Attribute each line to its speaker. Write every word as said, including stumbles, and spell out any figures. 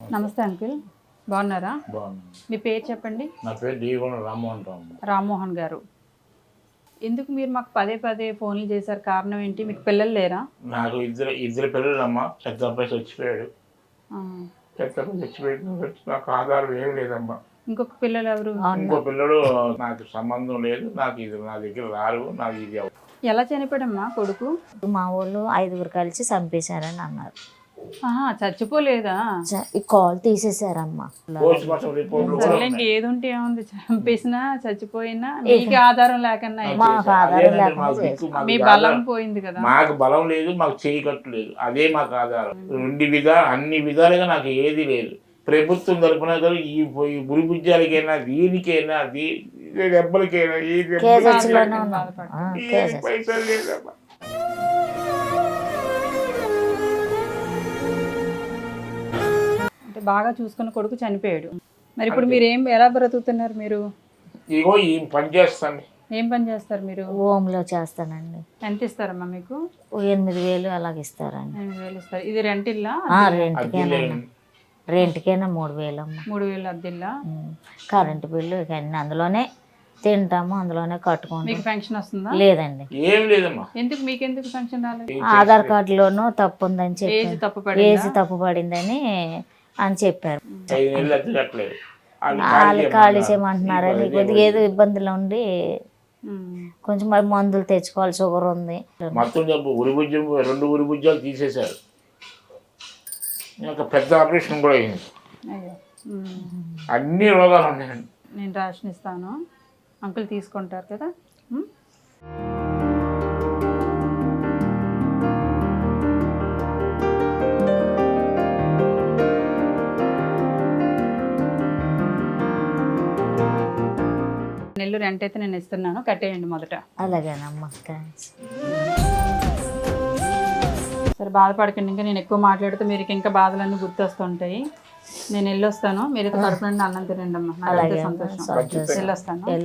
Speaker 1: నమస్తే అంకుల్, బాగున్నారా?
Speaker 2: బాగున్నాను.
Speaker 1: మీ పేరు చెప్పండి.
Speaker 2: నా పేరు డిగోన రామ్మోహన్ రావు.
Speaker 1: రామ్మోహన్ గారు, ఎందుకు మీరు మాకు పదే పదే ఫోన్లు చేశారు? కారణం ఏంటి? మీకు పిల్లలు లేరా?
Speaker 2: నాకు ఇద్దరు ఇద్దరు పిల్లలమ్మా. పెద్ద అబ్బాయి చచ్చిపోయాడు.
Speaker 1: ఆ.
Speaker 2: పెద్ద అబ్బాయి చచ్చిపోయాడు. నాకు ఆధారం ఏం లేదమ్మా.
Speaker 1: ఇంకొక పిల్లలు ఎవరు?
Speaker 2: ఇంకో పిల్లడు నాకు సంబంధం లేదు, నాకు ఇది నా దగ్గర రారు, నాకు ఇది అవ్వదు.
Speaker 1: ఎలా చనిపోయాడమ్మా కొడుకు?
Speaker 3: మా వాళ్ళు ఐదుగురు కలిసి చంపేశారని అన్నారు.
Speaker 1: ఆహా, చచ్చిపోలేదా?
Speaker 3: చ- ఈ కాల్ తీసేశారమ్మా.
Speaker 2: పోస్ట్ మార్టం రిపోర్ట్లు కూడా
Speaker 1: సర్లే,
Speaker 2: ఉన్నాయి.
Speaker 1: ఏది ఉంటే ఏముంది, చంపేసినా చచ్చిపోయినా మీకు ఆధారం లేకన్నా ఏంటి?
Speaker 3: మాకు ఆధారం
Speaker 2: అదేనండి
Speaker 3: లేకుండా
Speaker 2: మాకు దిక్కు, మాకు
Speaker 1: మీ
Speaker 2: ఇది
Speaker 1: బలం
Speaker 2: ఆధారం.
Speaker 1: పోయింది కదా.
Speaker 2: మాకు బలం లేదు, మాకు చేయి కట్టు లేదు, అదే మాకు ఆధారం. రెండు విధా అన్ని విధాలుగా నాకు ఏది లేదు. ప్రభుత్వం తరపున కానీ ఈ ఈ గురి బుజ్జాలకైనా దీనికైనా దీ దెబ్బలకైనా ఏ దెబ్బలకైనా
Speaker 3: కేజెస్లోనే ఉన్నాం. ఆ,
Speaker 2: ఏ
Speaker 3: కేజెస్.
Speaker 2: పైసలు లేదమ్మా.
Speaker 1: అంటే బాగా చూసుకున్న కొడుకు చనిపోయాడు. మరి ఇప్పుడు మీరు ఏం ఎలా బ్రతుకుతున్నారు? మీరు
Speaker 2: ఇగో ఈ పని చేస్తాను.
Speaker 1: ఏం పని చేస్తారు మీరు?
Speaker 3: హోమ్లో చేస్తానండి.
Speaker 1: ఎంత ఇస్తారమ్మా మీకు?
Speaker 3: ఓ ఎనిమిది వేలు అలాగ ఇస్తారండి.
Speaker 1: ఎనిమిది వేలు ఇస్తారు. ఇది రెంట్ ఇల్లా?
Speaker 3: ఆ, రెంట్కేనా రెంట్కేనా మూడు వేలు అమ్మ.
Speaker 1: మూడు వేలు అద్దెల్లా?
Speaker 3: ఉమ్. కరెంటు బిల్లు ఇక అన్ని అందులోనే తింటాము, అందులోనే కట్టుకుంటాం.
Speaker 1: మీకు పెన్షన్ వస్తుందా?
Speaker 3: లేదండి.
Speaker 2: ఏం లేదమ్మా.
Speaker 1: ఎందుకు మీకెందుకు పెన్షన్ రాలేదు?
Speaker 3: ఆధార్ కార్డులోనూ తప్పు ఉందని
Speaker 1: ఏజ్
Speaker 3: చెప్పి
Speaker 1: తప్పు
Speaker 3: ఏజ్
Speaker 1: పడిందా?
Speaker 3: తప్పు పడిందని అని చెప్పారు.
Speaker 2: ఐదు నెలలు అద్దె కట్టలేదు. వాళ్ళు
Speaker 3: వాళ్ళు
Speaker 2: ఖాళీ
Speaker 3: ఖాళీ
Speaker 2: చేయమన్నారు.
Speaker 3: చేయమంటున్నారని
Speaker 2: ఇదిగో
Speaker 3: కొద్దిగా ఏదో ఇబ్బందులు ఉండి
Speaker 1: ఉమ్.
Speaker 3: కొంచెం మరి మందులు తెచ్చుకోవాలి, షుగర్ ఉంది.
Speaker 2: మొత్తం జబ్బు ఉరి బుజ్జం రెండు ఉరి బుజ్జాలు తీసేశారు. ఇంకా పెద్ద ఆపరేషన్ కూడా అయింది.
Speaker 1: అయ్యో. ఉమ్.
Speaker 2: అన్ని రోగాలు ఉన్నాయండి.
Speaker 1: నేను రేషన్ ఇస్తాను, అంకుల్ తీసుకుంటారు కదా. ఉమ్. నెల్లు రెంట్ అయితే నేను ఇస్తున్నాను, కట్టేయండి మొదట.
Speaker 3: అలాగేనమ్మా, థ్యాంక్స్.
Speaker 1: సరే, బాధపడకండి. ఇంకా నేను ఎక్కువ మాట్లాడితే మీరు ఇంకా బాధలన్నీ గుర్తొస్తుంటాయి. నేను వెళ్ళొస్తాను, మీరు కడుపు నుండి అన్నం తినండి అమ్మా. నాకు అంతే
Speaker 3: అలాగే అమ్మా,
Speaker 1: సంతోషం.
Speaker 3: సంతోషం.
Speaker 1: వెళ్ళొస్తాను.